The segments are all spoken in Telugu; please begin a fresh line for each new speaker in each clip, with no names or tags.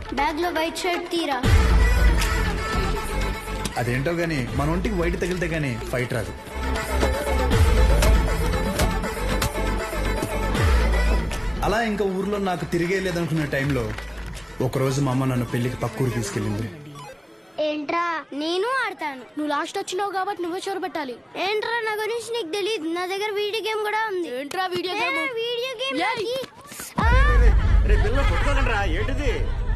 బ్యాగ్ లో వైట్ షర్ట్ తీరా.
అదేంటో గానీ మన ఒంటికి వైట్ తగిలితే గానీ ఫైట్ రాదు. అలా ఇంకా ఊర్లో నాకు తిరిగే లేదనుకున్న టైంలో ఒకరోజు మా అమ్మ నన్ను పెళ్లికి పక్కూరు తీసుకెళ్ళింది.
ఏంట్రా నేను ఆడతాను. నువ్వు లాస్ట్ వచ్చినావు కాబట్టి నువ్వే చోరు పెట్టాలి. ఏంట్రా నా గురించి నీకు తెలియదు. నా దగ్గర వీడియో గేమ్ కూడా ఉంది. ఏంట్రా వీడియో గేమ్? వీడియో గేమ్
ఏంటిది?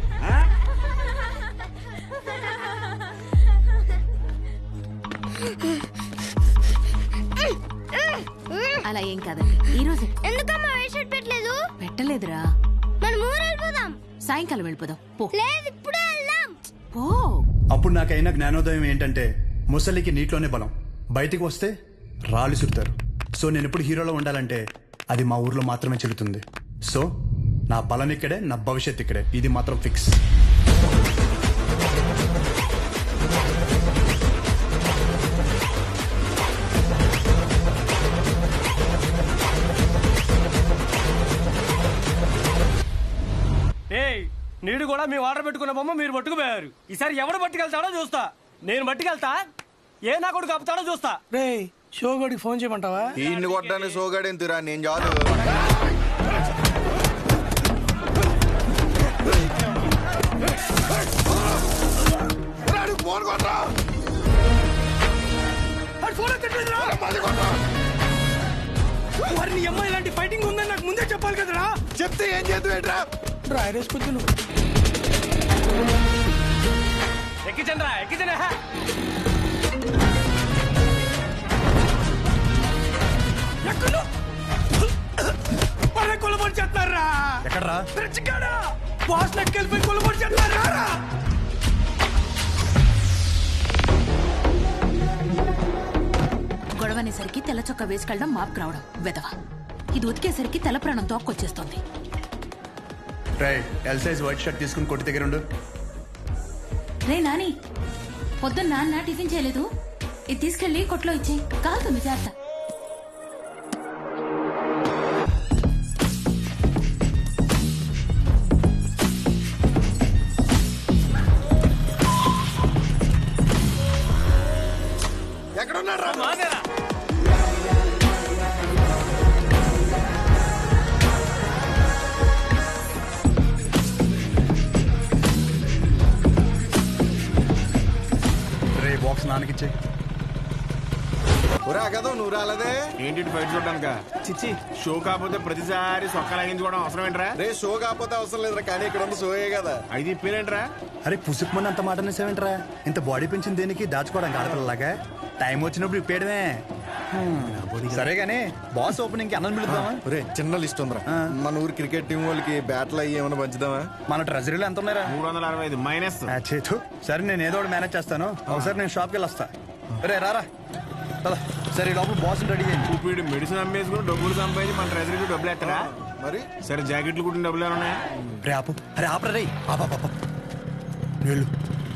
అలా ఏం కాదండి. ఈ రోజు
ఎందుకమ్మా వైట్ షర్ట్ పెట్టలేదు?
పెట్టలేదురా.
మనం ఊరు వెళ్ళిపోదాం.
సాయంకాలం వెళ్ళిపోదాం. పో.
లేదు ఇప్పుడే వెళ్దాం.
పో.
అప్పుడు నాకైన జ్ఞానోదయం ఏంటంటే ముసలికి నీటిలోనే బలం, బయటికి వస్తే రాళ్ళు సుడతారు. సో నేను ఎప్పుడు హీరోలో ఉండాలంటే అది మా ఊర్లో మాత్రమే చెల్లుతుంది. సో నా బలం ఇక్కడే, నా భవిష్యత్ ఇక్కడే. ఇది మాత్రం ఫిక్స్.
నీడు కూడా మీ ఆర్డర్ పెట్టుకున్న బొమ్మ మీరు పట్టుకుపోయారు. ఈసారి ఎవడు పట్టుకెళ్తాడో చూస్తా. నేను పట్టుకెళ్తా, ఏ నా కొడుకు కప్పుతాడో చూస్తా. రే షోగడికి ఫోన్ చేయమంటావా?
ఈయన్ని కొట్టడానికి షోగాడేం తిరా, నేను చాలు.
వారిని అమ్మాయి ఇలాంటి ఫైటింగ్ ఉందని నాకు ముందే చెప్పాలి కదరా.
చెప్తే ఏం చేద్దాం?
డ్రైరేసుకొచ్చు ఎక్కించండి రా, ఎక్కించండి. కొలబడి చేస్తారా?
ఎక్కడ్రా?
బాస్ నెక్కెళ్ళిపోయి కొలబడి చేస్తారా?
గొడవనేసరికి తెల్ల చొక్క వేసుకెళ్ళడం మాపుకు రావడం వెదవ. ఇది ఉతికేసరికి తెల్ల ప్రాణం తోక్కొచ్చేస్తుంది.
ఎల్ సైజ్ వైట్ షర్ట్ తీసుకుని కొట్టి దగ్గర ఉండు.
రే నాని, పొద్దున్న నాన్న టిఫిన్ చేయలేదు. ఇది తీసుకెళ్లి కొట్లో ఇచ్చేయి, కాలుతుంది జాగ్రత్త.
ఎక్కడున్నారా?
బాక్స్ నాన్నకిచ్చే.
కదా నువ్వు రాలేదే
ఏంటి ఫైట్ చూడడానిక? చిచ్చి, షో కాకపోతే ప్రతిసారి సొక్క లాగించుకోవడం అవసరం ఏంట్రా?
రే షో కాకపోతే అవసరం లేదురా, కానీ ఇక్కడ ఉన్న షోయే కదా.
అయితే ఇప్పేరేంట్రా?
అరే పుసుకుమని అంత మాట అనేసేవేంట్రా? ఇంత బాడీ పెంచింది దేనికి? దాచుకోవడానికి ఆడపిల్లలాగా. టైం వచ్చినప్పుడు ఇప్పేయడమే. సరే గానీ బాస్ ఓపెనింగ్ కి అన్నం పిలుద్దామా?
రే చిన్న లిస్ట్ ఉందిరా. మన ఊరు క్రికెట్ టీం వాళ్ళకి బ్యాట్లు అయ్యి ఏమైనా పంచుదామా?
మన ట్రెజరీలో ఎంత ఉన్నారా?
365 మైనస్.
చేతు సరే, నేను ఏదో ఒకటి మేనేజ్ చేస్తాను. ఒకసారి నేను షాప్కి వెళ్ళి వస్తా. రే రారా. సరే లోపల బాస్ రెడీ చేయండి.
చూపిడు మెడిసిన్ అమ్మేసుకుని డబ్బులు సంపాదించి మన ట్రెజరీకి డబ్బులు ఎత్తరా?
మరి
సరే జాకెట్లు కుట్టిన డబ్బులు ఏమన్నా?
రే ఆపు. అరే ఆపరా రే. వెళ్ళు.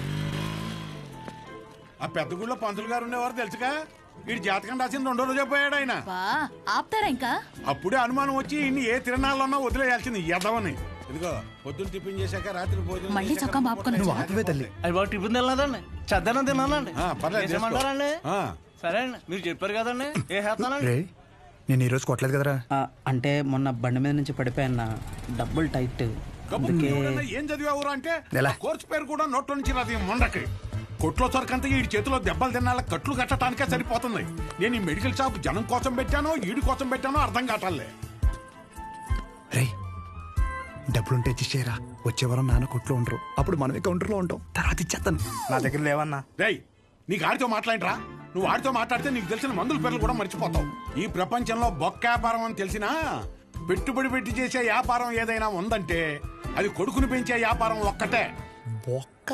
ఆ పెద్ద గుళ్ళో పంతులు గారు ఉండేవారు తెలుసుగా. వీడి జాతకం రాసిన 2 రోజు పోయాడు ఆయన.
ఆపుతారా ఇంకా?
అప్పుడే అనుమానం వచ్చి ఇన్ని ఏ తిరణాలన్నా వదిలేయాల్సింది ఎదవని. ఇదిగో పొద్దున్న టిఫిన్ చేశాక రాత్రి భోజనం
మళ్ళీ చొక్కా మాపుకొని
నువ్వు ఆపవే తల్లి.
అది బాగా టిఫిన్ తినలేదండి, చద్దనం తినాలండి.
పర్లేదు
ఏమంటారండి? సరే అండి, మీరు చెప్పారు కదండి. ఏ చేస్తానండి?
రే నేను ఈ రోజు కొట్టలేదు కదరా.
అంటే మొన్న బండి మీద నుంచి పడిపోయాన్న, డబ్బులు టైట్.
ఏం చదివావురా అంటే
ఎలా?
కోర్సు పేరు కూడా నోట్లో నుంచి రాదు మొండకి. కొట్లో సరికంతా ఈ చేతిలో దెబ్బలు తినాల కట్లు కట్టడానికే సరిపోతుంది. నేను ఈ మెడికల్ షాప్ జనం కోసం పెట్టానో ఈడి కోసం పెట్టానో అర్థం కావట్లే.
రే డబ్బులుంటే ఇచ్చేయరా. వచ్చే వారం నాన్న కొట్లో ఉండరు, అప్పుడు మనమే కౌంటర్లో ఉంటాం. తర్వాత ఇచ్చేస్తాను.
నా దగ్గర లేవన్నా.
రేయ్ నీకు ఆడితో మాట్లాడరా? నువ్వు ఆడితో మాట్లాడితే నీకు తెలిసిన మందుల పేర్లు కూడా మర్చిపోతావు. ఈ ప్రపంచంలో బొక్క వ్యాపారం అని తెలిసినా పెట్టుబడి పెట్టి చేసే వ్యాపారం ఏదైనా ఉందంటే అది కొడుకుని పెంచే వ్యాపారం ఒక్కటే.
బొక్క.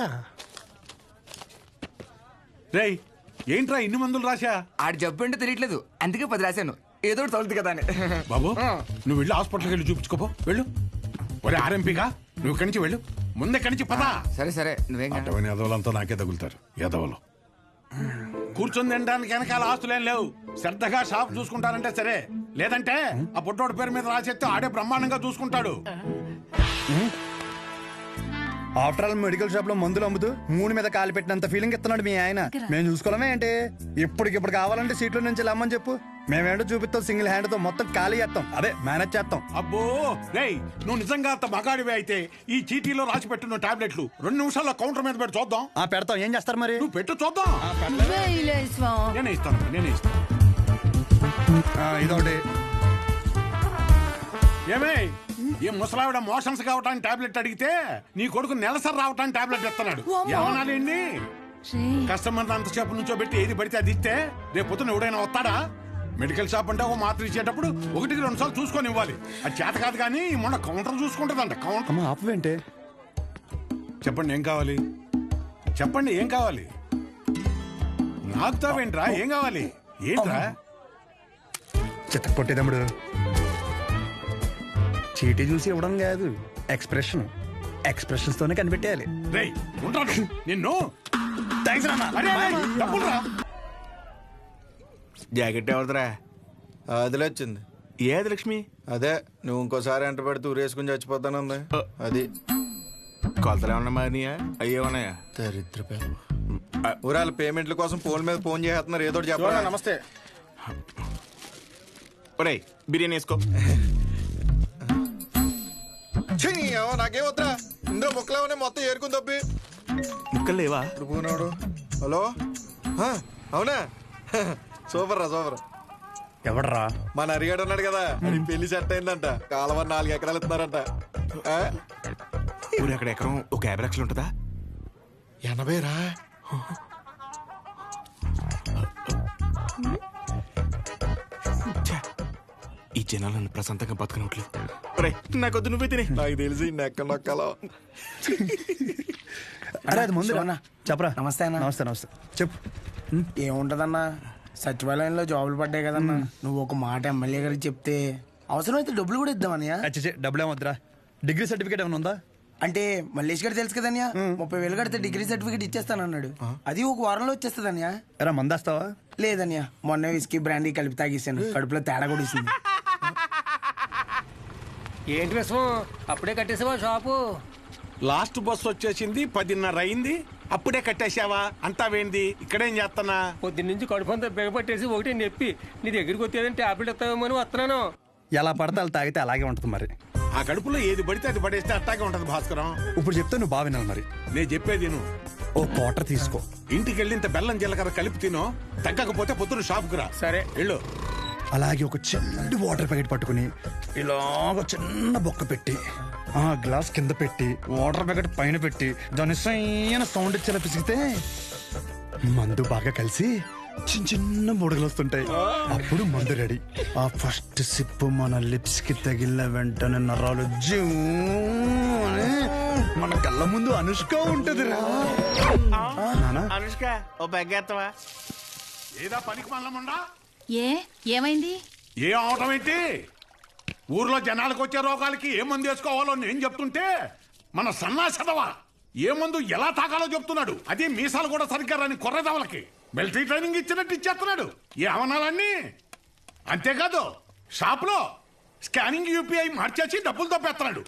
రేయ్ ఏంట్రా ఇన్ని మందులు రాశా?
ఆడు జబ్బు అంటే తెలియట్లేదు, అందుకే 10 రాశాను. ఏదో తొలదు కదా అని.
బాబు నువ్వు వెళ్ళి హాస్పిటల్కి వెళ్ళి చూపించుకోపో. వెళ్ళు. ఒరే ఆర్ఎంపీగా నువ్వు ఇక్కడి నుంచి వెళ్ళు. ముందెక్కడి నుంచి పదా.
సరే సరే, నువ్వేం
అటువంటి ఎదవలంతా నాకే తగులుతారు. ఎదవలు కూర్చొని తినడానికి వెనకాల ఆస్తులేం లేవు. శ్రద్ధగా షాప్ చూసుకుంటారంటే సరే, లేదంటే ఆ పుట్టోడి పేరు మీద రాసేస్తే ఆడే బ్రహ్మాండంగా చూసుకుంటాడు.
ఆఫ్టర్ ఆల్ మెడికల్ షాప్ లో మందులు అమ్ముతూ మూడు మీద కాలు పెట్టినంత ఫీలింగ్ ఇస్తున్నాడు మీ ఆయన. మేము చూసుకోవడమే ఏంటి? ఇప్పటికిప్పుడు కావాలంటే సీట్లో నుంచి లమ్మని చెప్పు, మేమేంటో చూపిస్తాం. సింగిల్ హ్యాండ్ తో మొత్తం ఖాళీ చేస్తాం, అదే మేనేజ్ చేస్తాం.
అబ్బో రేయ్, నువ్వు నిజంగా అంత మగాడివే అయితే ఈ చీటీలో రాసి పెట్టున్న టాబ్లెట్లు 2 నిమిషాల్లో కౌంటర్ మీద పెట్టి చూద్దాం.
పెడతాం, ఏం చేస్తారు మరి?
నువ్వు పెట్టు చూద్దాం. నేనే ఇస్తాను.
ఇదొకటి.
ఏమే, ఈ ముసలావిడ మోషన్స్ కావటానికి టాబ్లెట్ అడిగితే నీ కొడుకు నెలసరి రావటానికి టాబ్లెట్ ఇస్తున్నాడు. ఏమనాలండి? కస్టమర్ అంతసేపు నుంచో పెట్టి ఏది పడితే అది ఇస్తే రేపు పొద్దున ఎవడైనా వస్తాడా? మెడికల్ షాప్ అంటే ఒక మాత్ర ఇచ్చేటప్పుడు 1-2 సార్లు చూసుకొని ఇవ్వాలి. అది చేత కాదు కానీ మొన్న కౌంటర్ చూసుకుంటుందంట. కౌంటర్
ఆపవేంటే?
చెప్పండి ఏం కావాలి? చెప్పండి ఏం కావాలి? నాకుతావేంట్రా? ఏం కావాలి? ఏంట్రా?
చిత్త కొట్టేదమ్ముడు, చీటీ చూసి ఇవ్వడం కాదు, ఎక్స్ప్రెషన్స్ తోనే కనిపెట్టేయాలి.
రేయ్ ఉంటాను నిన్ను.
థాంక్స్ రా.
అరే, అరే, డబ్బులురా.
జాకెట్ ఎవరిదిరా?
అదిలే వచ్చింది.
ఏది లక్ష్మి?
అదే నువ్వు ఇంకోసారి ఎంట పెడితే ఊరేసుకుని చచ్చిపోతానంది. అది
కొలతలు ఏమన్నా మారినాయా? అయ్యేమన్నాయా?
దరిద్ర ఊరాల పేమెంట్ల కోసం ఫోన్ మీద ఫోన్ చేస్తున్నారు. ఏదో చెప్పాలి.
నమస్తే.
ఒరేయ్ బిర్యానీ వేసుకో.
నాకేం వద్దా? ఇందులో ముక్కలేమనే మొత్తం ఏరుకుని తప్పి
ముక్కలు లేవా?
ఇప్పుడు పోనాడు. హలో, అవునా? సూపర్ రా, సూపర్.
ఎవడరా?
మన అరిగాడు ఉన్నాడు కదా, అది పెళ్లి సెట్ అయిందంట. కాలువ 4 ఎకరాలు ఇస్తున్నారంట.
ఊరు అక్కడ ఎకరం ఒక 50 లక్షలు ఉంటుందా?
80 రా.
ఈ జనాలు నన్ను ప్రశాంతంగా బతకనట్లు. నాకొద్దు, నువ్వే తినే.
నాకు తెలిసి నెక్క నొక్కలో.
అరే అది ముందు చెప్పరా.
నమస్తే అన్న.
నమస్తే చెప్పు.
ఏముంటదన్నా, సచివాలయంలో జాబులు పడ్డాయి కదన్నా. నువ్వు ఒక మాట ఎమ్మెల్యే గారికి చెప్తే అవసరమైతే డబ్బులు కూడా ఇద్దామనియా.
డబ్బులు ఏమొద్దురా. డిగ్రీ సర్టిఫికేట్ ఏమైనా ఉందా?
అంటే మల్లేష్ గారు తెలుసు కదన్యా, 30,000 కడితే డిగ్రీ సర్టిఫికేట్ ఇచ్చేస్తానన్నాడు. అది ఒక వారంలో వచ్చేస్తుందన్యా.
ఎరా మందేస్తావా?
లేదన్యా, మొన్న విస్కీ బ్రాండీ కలిపి తాగేసాను. కడుపులో తేడా కూడా ఇస్తుంది.
ఏంటి విషయం? అప్పుడే కట్టేసావా షాపు?
లాస్ట్ బస్ వచ్చేసింది, 10:30 అయింది. అప్పుడే కట్టేశావా? అంతా వేంది? ఇక్కడేం చేస్తున్నా?
పొద్దున్నుంచి కడుపంతా బిగపట్టేసి ఒకటి నొప్పి. నీ దగ్గరికి వచ్చేదని టాబ్లెట్ ఇస్తావేమో అని వస్తున్నాను.
ఎలా పడితే అలా తాగితే అలాగే ఉంటుంది మరి.
ఆ కడుపులో ఏది పడితే అది పడేస్తే అట్టాగే ఉంటది భాస్కరం.
ఇప్పుడు చెప్తే నువ్వు బాగా వినాలి మరి.
నేను చెప్పేది నువ్వు
ఓ క్వార్టర్ తీసుకో,
ఇంటికి వెళ్ళి ఇంత బెల్లం జీలకర్ర కలిపి తినో. తగ్గకపోతే పొద్దున షాప్కి రా.
సరే
వెళ్ళు.
అలాగే ఒక చిన్న వాటర్ ప్యాకెట్ పట్టుకుని ఇలాగ చిన్న బొక్క పెట్టి ఆ గ్లాస్ కింద పెట్టి వాటర్ ప్యాకెట్ పైన పెట్టి దాని సైన సౌండ్ ఇచ్చేలా పిసిగితే మందు బాగా కలిసి చిన్న చిన్న బుడగలు వస్తుంటాయి. అప్పుడు మందు రెడీ. ఆ ఫస్ట్ సిప్ మన లిప్స్ కి తగిలిన వెంటనే నరాలు జూ అని మన కళ్ళ ముందు అనుష్క ఉంటది రా.
అనుష్క ఓ బెగ్గేత్తవా?
ఏదా పనికి మల్లముండా?
ఏమైంది?
ఏ అవటం ఏంటి? ఊర్లో జనాలకు వచ్చే రోగాలకి ఏ మందు వేసుకోవాలో నేను చెప్తుంటే మన సన్నాసదవా ఏ మందు ఎలా తాగాలో చెప్తున్నాడు. అదే మీసాలు కూడా సరిగ్గా రాని కొర్రదవలకి మిలిటరీ ట్రైనింగ్ ఇచ్చినట్టు ఇచ్చేస్తున్నాడు. ఏ అవనాలన్నీ అంతేకాదు, షాప్లో స్కానింగ్ యూపీఐ మార్చేసి డబ్బులు తప్పేస్తున్నాడు.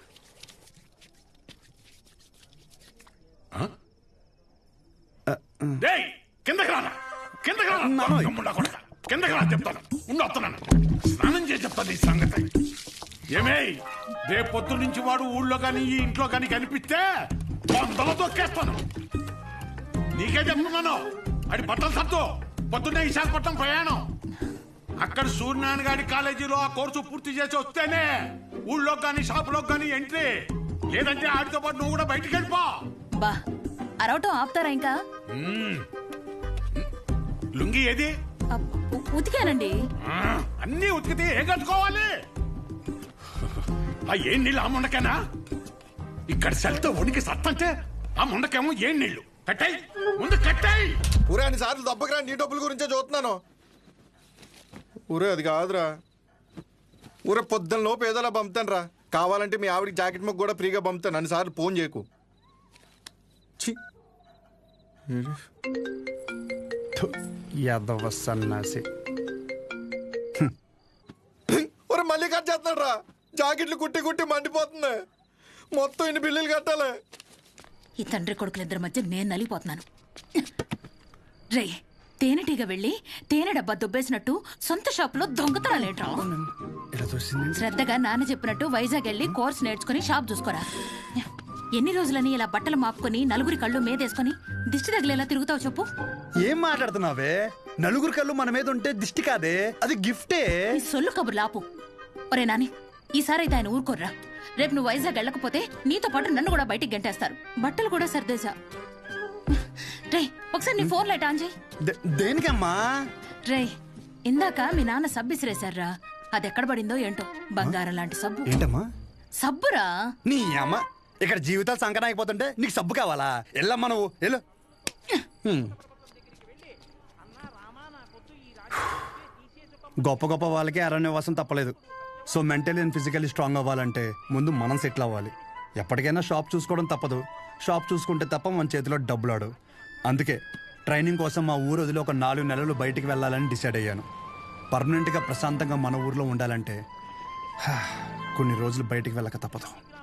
కిందకి రానా? కిందకి రానా? కిందకి రా చెప్తాను. వస్తున్నాను, స్నానం చేసి చెప్తాను ఈ సంగతి. ఏమే, రేపు పొద్దు నుంచి వాడు ఊళ్ళో కానీ ఈ ఇంట్లో కానీ కనిపిస్తే వందలో తొక్కేస్తాను. నీకే చెప్తున్నాను. అది బట్టలు సత్తు. పొద్దున్నే విశాఖపట్నం ప్రయాణం. అక్కడ సూర్యనారాయణ గారి కాలేజీలో ఆ కోర్సు పూర్తి చేసి వస్తేనే ఊళ్ళో కానీ షాపులో కానీ ఎంట్రీ. లేదంటే ఆడితో పాటు నువ్వు కూడా బయటికి వెళ్ళిపో.
బా అరవటం ఆపుతారా ఇంకా?
లుంగి ఏది?
ఉతికానండి.
అన్నీ ఉతికితే ఏం కట్టుకోవాలి? ఆ ఏం నీళ్ళు ఆ ముండకేనా? ఇక్కడ సెల్తో ఉనికి సత్తంటే ఆ ముండకేమో ఏం నీళ్లు? కట్టాయి ముందు కట్టాయి.
ఊరే అన్ని సార్లు దెబ్బకిరా, నీ డబ్బుల గురించే చూస్తున్నాను. ఊరే అది కాదురా. ఊరే పొద్దున్న లోపు ఏదోలా పంపుతాను రా. కావాలంటే మీ ఆవిడకి జాకెట్ మొక్క కూడా ఫ్రీగా పంపుతాను. అన్నిసార్లు ఫోన్ చేయకు.
యాదవ సన్నాసి.
ఒరే మళ్ళీ కట్ చేస్తున్నాడు రా. జాకెట్లు కుట్టి కుట్టి మండిపోతుంది. మొత్తం ఇన్ని బిల్లులు కట్టాలి.
ఈ తండ్రి కొడుకులిద్దరి మధ్య నేను నలిగిపోతున్నాను. రే, తేనెటీగ వెళ్ళి తేనె డబ్బా దుబ్బేసినట్టు సొంత షాపులో దొంగతనాలేట్రా? శ్రద్ధగా నాన్న చెప్పినట్టు వైజాగ్ వెళ్ళి కోర్స్ నేర్చుకుని షాప్ చూసుకోరా. ఎన్ని రోజులని ఇలా బట్టలు మాపుకొని నలుగురి కళ్ళు మీదేసుకొని దిష్టి తగిలేలా తిరుగుతావు చెప్పు?
ఏం మాట్లాడుతున్నావే? నలుగురు కళ్ళు మన మీద ఉంటే దిష్టి కాదే, అది గిఫ్టే.
ఈ సొల్లు కబుర్లు ఆపు. ఒరే నాని, ఈసారైతే ఆయన ఊరుకోర్రా. రేపు నువ్వు వైజాగ్ వెళ్ళకపోతే నీతో పాటు నన్ను కూడా బయటికి గంటేస్తారు. బట్టలు కూడా సర్దేశా. రే, ఒకసారి నీ ఫోన్ లైట్ ఆన్ చేయి.
దేనికమ్మా?
రే, ఇందాక మీ నాన్న సబ్బు ఇసిరేశారా, అది ఎక్కడ పడిందో ఏంటో. బంగారం లాంటి సబ్బు.
ఏంటమ్మా?
సబ్బురా.
నీ అమ్మ, ఇక్కడ జీవితాలు సంకటం అయిపోతుంటే నీకు సబ్బు కావాలా? ఎల్లమ్మా నువ్వు వెళ్ళు. గొప్ప గొప్ప వాళ్ళకి అరణ్యవాసం తప్పలేదు. So mentally and physically strong అవ్వాలంటే ముందు మనం సెటిల్ అవ్వాలి. ఎప్పటికైనా షాప్ చూసుకోవడం తప్పదు. షాప్ చూసుకుంటే తప్ప మన చేతిలో డబ్బులాడు. అందుకే ట్రైనింగ్ కోసం మా ఊరు వదిలి ఒక 4 నెలలు బయటికి వెళ్ళాలని డిసైడ్ అయ్యాను. పర్మనెంట్గా ప్రశాంతంగా మన ఊర్లో ఉండాలంటే కొన్ని రోజులు బయటికి వెళ్ళక తప్పదు.